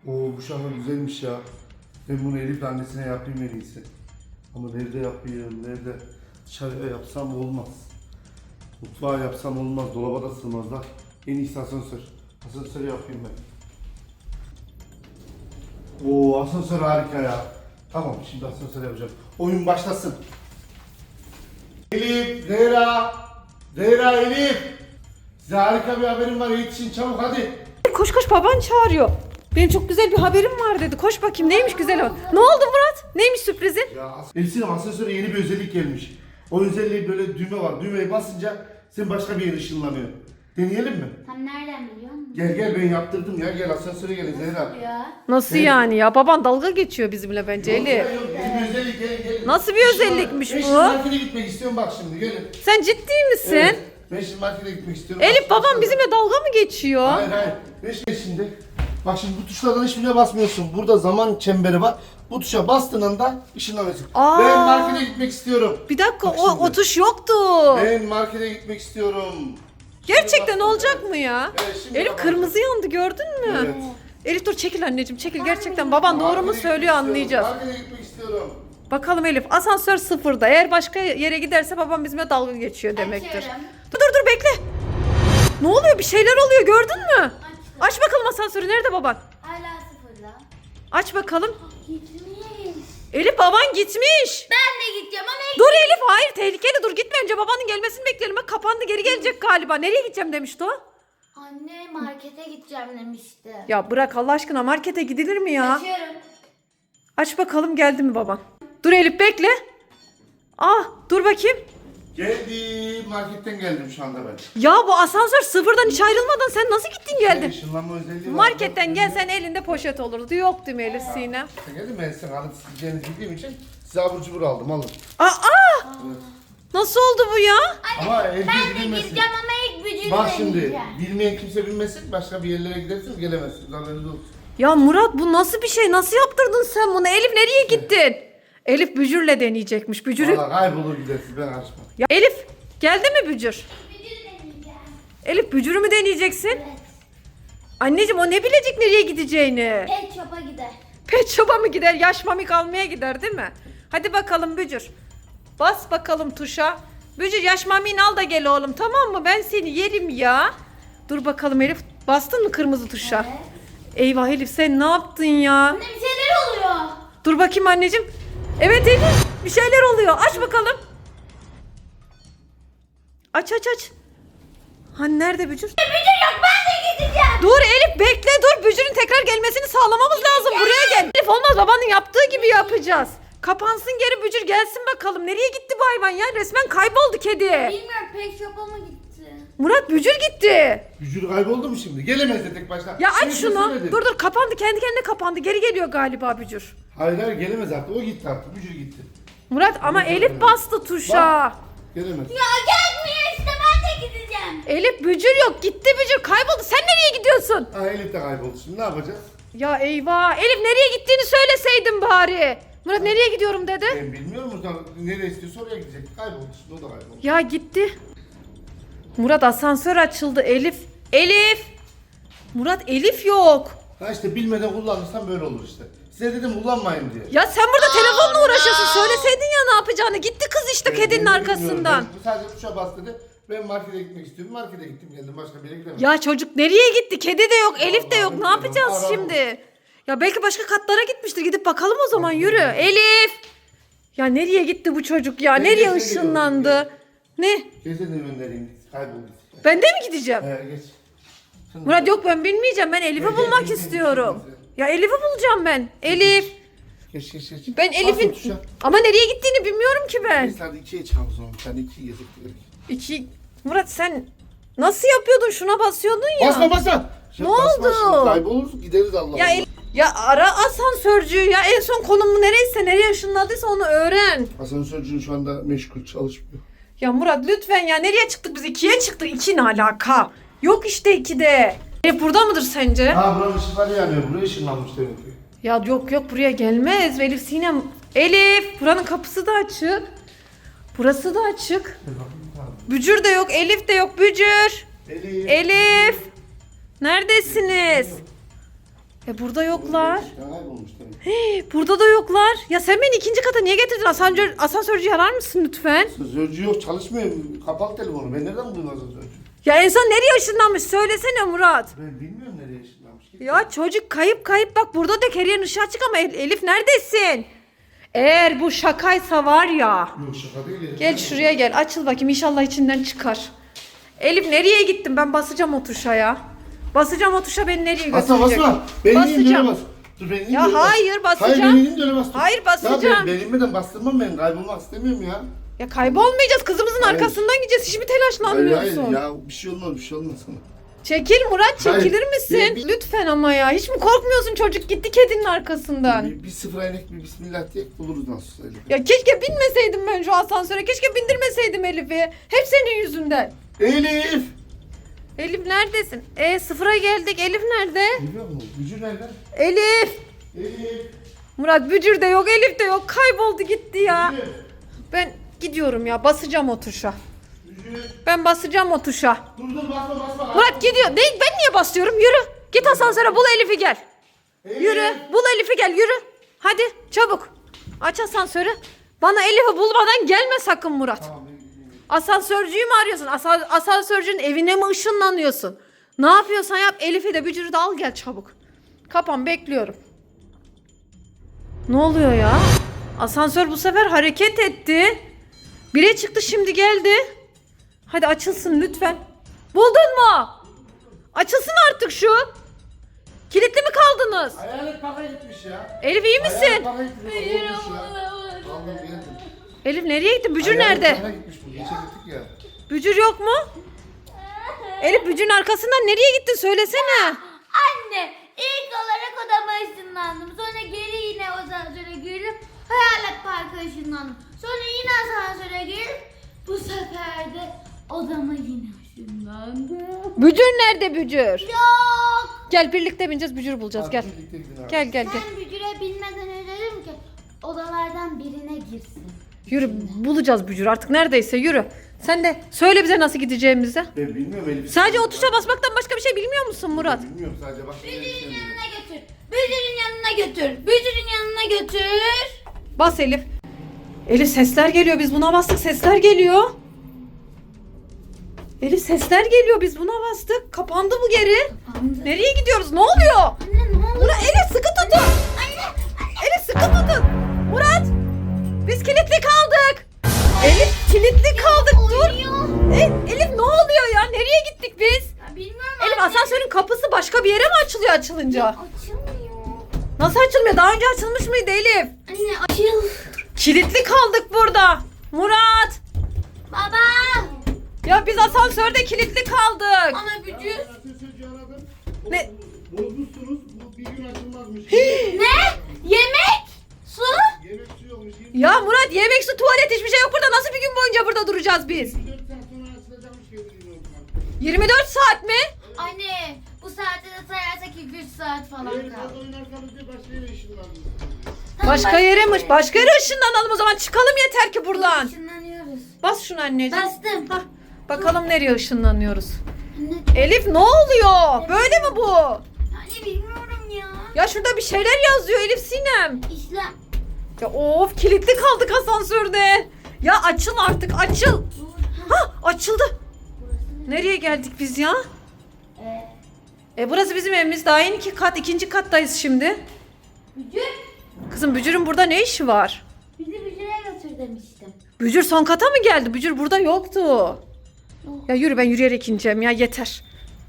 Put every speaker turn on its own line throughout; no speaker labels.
Oo, bu şarkı güzelmiş ya. Ben bunu Elif annesine yapayım en iyisi. Ama nerede yapayım, nerede? Dışarıya yapsam olmaz. Mutfağa yapsam olmaz, dolaba da sığmazlar. En iyisi asansör. Asansörü yapayım ben. Oo, asansör harika ya. Tamam, şimdi asansör yapacağım. Oyun başlasın. Elif, Zehra. Zehra, Elif. Size harika bir haberim var, yetişin çabuk hadi.
Koş koş, baban çağırıyor. Benim çok güzel bir haberim var dedi. Koş bakayım, neymiş güzel o. Ne oldu Murat? Neymiş sürprizin?
Ya Elif'in asansöre yeni bir özellik gelmiş. O özelliği böyle düğme var. Düğmeye basınca sen başka bir yere ışınlanıyor. Deneyelim mi?
Sen nereden biliyorsun?
Gel ben yaptırdım ya. Gel asansöre gelin Zehra.
Ya.
Nasıl
Evet.
yani ya? Baban dalga geçiyor bizimle bence
Yok,
Elif.
yok, yeni bir özellik gelin.
Nasıl bir özellikmiş bu?
Ben şimdi markete gitmek istiyorum bak şimdi gelin.
Sen ciddi misin?
Evet. Ben şimdi markete gitmek istiyorum.
Elif,
Bak,
babam
şimdi-
bizimle dalga mı geçiyor?
Hayır. Ben şimdi. Bak şimdi bu tuşlardan hiçbirine basmıyorsun. Burada zaman çemberi var. Bu tuşa bastığın anda ışınlanıyorsun.
Aa.
Ben markete gitmek istiyorum.
Bir dakika,
Bak
o
şimdi.
tuş yoktu.
Ben markete gitmek istiyorum.
Gerçekten
Şimdi
olacak
bastım.
mı ya?
Evet, şimdi
Elif
bak.
kırmızı yandı, gördün mü?
Evet.
Elif dur, çekil anneciğim, çekil. Gerçekten baban doğru mu
Markete
söylüyor,
gitmek
anlayacağız.
istiyorum. Markete gitmek istiyorum.
Bakalım Elif, asansör sıfırda. Eğer başka yere giderse babam bizimle dalga geçiyor demektir.
Açıyorum.
Dur bekle. Ne oluyor? Bir şeyler oluyor, gördün mü? Aç bakalım asansörü. Nerede baban?
Hala sıfırda.
Aç bakalım.
Gitmiş.
Elif, baban gitmiş.
Ben de gideceğim ama
Dur Elif, hayır, tehlikeli, dur gitme, önce babanın gelmesini bekleyelim. Bak kapandı, geri gelecek galiba. Nereye gideceğim demişti o?
anne markete gideceğim demişti.
Ya bırak Allah aşkına, markete gidilir mi ya?
Açıyorum.
Aç bakalım, geldi mi baban? Dur Elif, bekle. Ah, dur bakayım.
Geldim. Marketten geldim şu anda ben.
Ya bu asansör sıfırdan hiç ayrılmadan sen nasıl gittin geldin?
Işınlanma özelliği var.
Marketten gelsen elinde poşet olurdu. Yok değil mi Elif Sinem?
Sen geldin ben sen alıp sileceğinizi bildiğim için size abur cubur aldım alın.
Aa!
Evet.
Nasıl oldu bu ya?
Ama evde
Ben de
gidilmesin.
gideceğim ama ilk bücürü
Bak şimdi
deneyeceğim.
bilmeyen kimse bilmesin başka bir yerlere gidersiniz gelemezsiniz haberiniz olsun.
Ya Murat, bu nasıl bir şey? Nasıl yaptırdın sen bunu? Elif nereye gittin? Elif bücürle deneyecekmiş. Bücürü...
Valla kaybolur gidersiniz ben karışmam.
Ya Elif, geldi mi bücür?
Bücürü deneyeceğim.
Elif, bücürü mü deneyeceksin?
Evet.
Anneciğim, o ne bilecek nereye gideceğini?
Pet shop'a gider.
Pet shop'a mı gider? Yaş mamik almaya gider değil mi? Hadi bakalım bücür. Bas bakalım tuşa. Bücür, yaş mamini al da gel oğlum, tamam mı? Ben seni yerim ya. Dur bakalım Elif. Bastın mı kırmızı tuşa?
Evet.
Eyvah Elif, sen ne yaptın ya?
Anne bir şeyler oluyor.
Dur bakayım anneciğim. Evet Elif, bir şeyler oluyor. Aç bakalım. Aç. Hani nerede bücür?
Bücür yok, ben de gideceğim.
Dur Elif, bekle dur. Bücürün tekrar gelmesini sağlamamız lazım. Buraya gel. Elif, olmaz, babanın yaptığı gibi yapacağız. Kapansın geri, bücür gelsin bakalım. Nereye gitti bu hayvan ya? Resmen kayboldu kedi.
Bilmiyorum, pet shop'a mı gitti?
Murat, bücür gitti.
Vücudu kayboldu mu şimdi? Gelemez de tek başına.
Ya aç
Şimdi
şunu.
söyledim.
Dur kapandı, kendi kendine kapandı. Geri geliyor galiba bücür.
Hayır gelemez artık o gitti artık Vücudu gitti.
Murat ama
Dur,
Elif
dur.
bastı tuşa.
Gelemez.
Ya gelmiyor işte, ben de gideceğim.
Elif, bücür yok. Gitti bücür, kayboldu. Sen nereye gidiyorsun?
Ha Elif de kayboldu şimdi ne yapacağız?
Ya eyvah. Elif, nereye gittiğini söyleseydin bari. Murat nereye gidiyorum dedi.
Ben bilmiyorum o nereye istiyorsa oraya gidecek. Kayboldu şimdi o da kayboldu.
Ya gitti. Murat, asansör açıldı. Elif. Murat, Elif yok.
Ha işte bilmeden kullanırsan böyle olur işte. Size dedim kullanmayın diye.
Ya sen burada telefonla uğraşıyorsun. Söyleseydin ya ne yapacağını. Gitti kız işte
Ben
kedinin
de
arkasından.
bilmiyorum. Ben sadece tuşa bas dedi. Ben markete gitmek istiyorum. Markete gittim geldim başka bir yere gidemedim.
Ya çocuk nereye gitti? Kedi de yok, Elif de yok. Ne
bilmiyorum.
yapacağız
Arama.
şimdi? Ya belki başka katlara gitmiştir. Gidip bakalım o zaman, yürü. Elif. Ya nereye gitti bu çocuk ya?
Ben
Nereye
de seni
ışınlandı?
gördüm,
Ne?
Gezene göndereyim. Kayboldu.
Ben de mi gideceğim?
Geç. Şimdi-
Murat yok, ben bilmeyeceğim. Ben Elif'i
Gel,
bulmak
gel,
istiyorum.
gel.
Ya Elif'i bulacağım ben. Elif.
Geç.
Ben
Bas o
Elif'in...
tuşa.
Ama nereye gittiğini bilmiyorum ki ben.
Neyse hadi ikiye çıkalım o zaman. Sen ikiyi gezip gidelim.
İki... Murat sen nasıl yapıyordun? Şuna basıyordun ya.
Basma.
Ne
Basma
oldu?
şimdi, kayboluruz gideriz Allah
Ya,
Allah.
ya ara asansörcüyü ya. En son konumu nereyse, nereye ışınladıysa onu öğren.
Asansörcünün şu anda meşgul çalışmıyor.
Ya Murat lütfen ya. Nereye çıktık biz? 2'ye çıktık. 2 ne alaka? Yok işte 2'de. Elif burada mıdır sence?
Ha buranın ışıkları yanıyor. Buraya ışınlanmış demek ki.
Ya yok buraya gelmez. Elif Sinem. Elif buranın kapısı da açık. Burası da açık. Bücür de yok. Elif de yok. Bücür.
Elif.
Elif. Neredesiniz? Burada yoklar.
Ya kaybolmuş demek.
Burada da yoklar. Ya sen beni ikinci kata niye getirdin? Asansörcüyü arar mısın lütfen?
Sözcü yok, çalışmıyor. Kapalı telefonu. Ben nereden bulayım sözcü?
Ya en son nereye ışınlanmış? Söylesene Murat.
Ben bilmiyorum nereye ışınlanmış.
Ya çocuk kayıp bak burada da Kerry'nin ışığı açık ama Elif neredesin? Eğer bu şakaysa var ya.
Yok şaka değil. ya.
Gel şuraya gel açıl bakayım inşallah içinden çıkar. Elif nereye gittin? Ben basacağım o tuşa ya. Basacağım o tuşa beni nereye
Basma
götürecek?
basma. Ben ineyim
Basacağım.
öyle bas. Dur ben ineyim
Ya
öyle bas.
hayır, basacağım.
Hayır ben ineyim de öyle bas.
Hayır, basacağım.
Ya ben inmeden bastırmam ben. Kaybolmak istemiyorum ya.
Ya kaybolmayacağız kızımızın
Hayır.
arkasından gideceğiz. Hiç mi
Hayır
telaşlanmıyorsun?
ya bir şey olmaz sana.
Çekil Murat çekilir
Hayır.
misin? Lütfen ama ya. Hiç mi korkmuyorsun çocuk gitti kedinin arkasından.
Bir sıfıra inek bir bismillah diye buluruz nasıl öyle.
Ya keşke binmeseydim ben şu asansöre. Keşke bindirmeseydim Elif'i. Hep senin yüzünden.
Elif!
Elif neredesin? Sıfıra geldik. Elif nerede?
Biliyor musun? Gücü nerede?
Elif.
Elif!
Murat Bücür de yok, Elif de yok. Kayboldu gitti ya.
Elif!
Ben gidiyorum ya. Basacağım o tuşa.
Gücü!
Ben basacağım o tuşa.
Dur basma.
Murat gidiyor. Ben niye basıyorum? Yürü. Git asansöre bul Elif'i gel.
Elif!
Yürü. Bul Elif'i gel. Yürü. Hadi çabuk. Aç asansörü. Bana Elif'i bulmadan gelme sakın Murat.
Tamam, ben gideyim.
Asansörcüyü mü arıyorsun? Asansörcünün evine mi ışınlanıyorsun? Ne yapıyorsan yap. Elif'i de Bücür'ü de al gel çabuk. Kapan bekliyorum. Ne oluyor ya? Asansör bu sefer hareket etti. Bire çıktı şimdi geldi. Hadi açılsın lütfen. Buldun mu? Açılsın artık şu. Kilitli mi kaldınız?
Hayalet parka gitmiş ya.
Elif iyi misin?
Hayalet parka gitmiş. Olmuş ya. Vallahi geldim.
Elif nereye gitti? Bücür
Hayalet
nerede?
parka gitmiş bu. Geçe gittik ya.
Bücür yok mu? Elif Bücür'ün arkasından nereye gittin söylesene.
Anne ilk olarak odama ışınlandım. Sonra geri yine asansöre girip hayalet parka ışınlandım. Sonra yine asansöre girip bu sefer de odama yine ışınlandım.
Bücür nerede Bücür?
Yok.
Gel birlikte bineceğiz Bücür bulacağız gel.
Hadi birlikte gidin abi.
Gel.
Ben Bücür'e bilmeden önce dedim ki odalardan birine girsin.
Yürü bulacağız Bücür artık neredeyse yürü. Sen de söyle bize nasıl gideceğimizi.
Ben bilmiyorum Elif.
Sadece o tuşa basmaktan başka bir şey bilmiyor musun Murat?
Bilmiyorum sadece bak.
Bücür'ün yanına götür. Bücür'ün yanına götür. Bücür'ün yanına götür.
Bas Elif. Elif sesler geliyor biz buna bastık sesler geliyor. Elif sesler geliyor biz buna bastık. Kapandı bu geri.
Kapandı.
Nereye gidiyoruz? Ne oluyor?
Anne ne oldu?
Murat Elif sıkı tutun.
Anne.
Elif sıkı tutun. Murat. Biz kilitli kaldık. Elif kilitli kaldık dur. Elif ne oluyor ya? Nereye gittik biz?
Ya bilmiyorum
Elif
anne.
asansörün kapısı başka bir yere mi açılıyor açılınca?
Açılmıyor.
Nasıl açılmıyor? Daha önce açılmış mıydı Elif?
Anne açıl.
Kilitli kaldık burada. Murat.
Baba.
Ya biz asansörde kilitli kaldık.
Ana Bücür.
Sözcü aradım.
Ne?
Bozmuşsunuz. Bu bir gün açılmazmış.
Ne? Yemek? Su?
Yemek su yokmuş.
Ya Murat yemek su tuvalet hiçbir şey yok burada. Nasıl bir gün boyunca burada duracağız biz?
24 saat sonra açılacakmış geldiğini
24 saat mi?
Anne bu saatte de sayarsak 2-3 saat falan
Eğer
kaldı.
fazla oynarsanız diye başka yere ışınlandınız.
Başka yere mi? Başka yere ışınlanalım o zaman. Çıkalım yeter ki buradan.
Işınlanıyoruz.
Bas şunu anneciğim.
Bastım.
Hah, bakalım nereye ışınlanıyoruz.
Anne.
Elif ne oluyor? Böyle mi bu?
Anne bilmiyorum ya.
Ya şurada bir şeyler yazıyor Elif Sinem.
İşlem.
Ya of kilitli kaldık asansörde. Ya açıl artık açıl.
Dur.
Ha açıldı.
Burası ne?
Nereye geldik biz ya?
Ee,
Burası bizim evimiz. Daha yeni ikinci kattayız şimdi.
Bücür.
Kızım Bücür'ün burada ne işi var?
Bizi Bücür'e götür demiştim.
Bücür son kata mı geldi? Bücür burada yoktu.
Yok.
Ya yürü ben yürüyerek ineceğim ya yeter.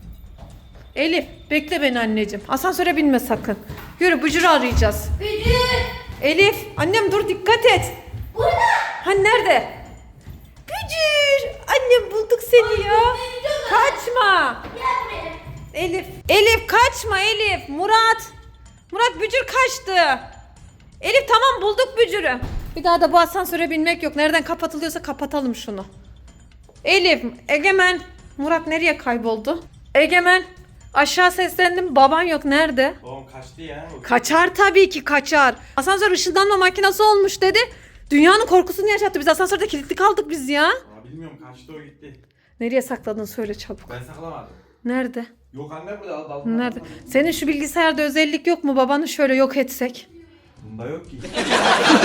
Elif bekle beni anneciğim. Asansöre binme sakın. Yürü Bücür'ü arayacağız.
Bücür.
Elif annem dur dikkat et.
Burada.
Hani nerede? Bücür. Annem bulduk seni ya. Kaçma.
Gel buraya.
Elif. Elif kaçma Elif. Murat. Murat Bücür kaçtı. Elif tamam bulduk Bücür'ü. Bir daha da bu asansöre binmek yok. Nereden kapatılıyorsa kapatalım şunu. Elif, Egemen. Murat nereye kayboldu? Egemen. Aşağı seslendim. Baban yok. Nerede?
Babam kaçtı ya.
Kaçar tabii ki kaçar. Asansör ışınlanma makinesi olmuş dedi. Dünyanın korkusunu yaşattı. Biz asansörde kilitli kaldık biz ya.
Aa, bilmiyorum kaçtı o gitti.
Nereye sakladın söyle çabuk.
Ben saklamadım.
Nerede?
Yok anne burada dalga.
Nerede? Senin şu bilgisayarda özellik yok mu? Babanı şöyle yok etsek.
Bunda yok ki.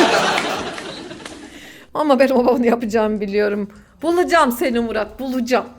Ama ben o babanı yapacağımı biliyorum. Bulacağım seni Murat, bulacağım.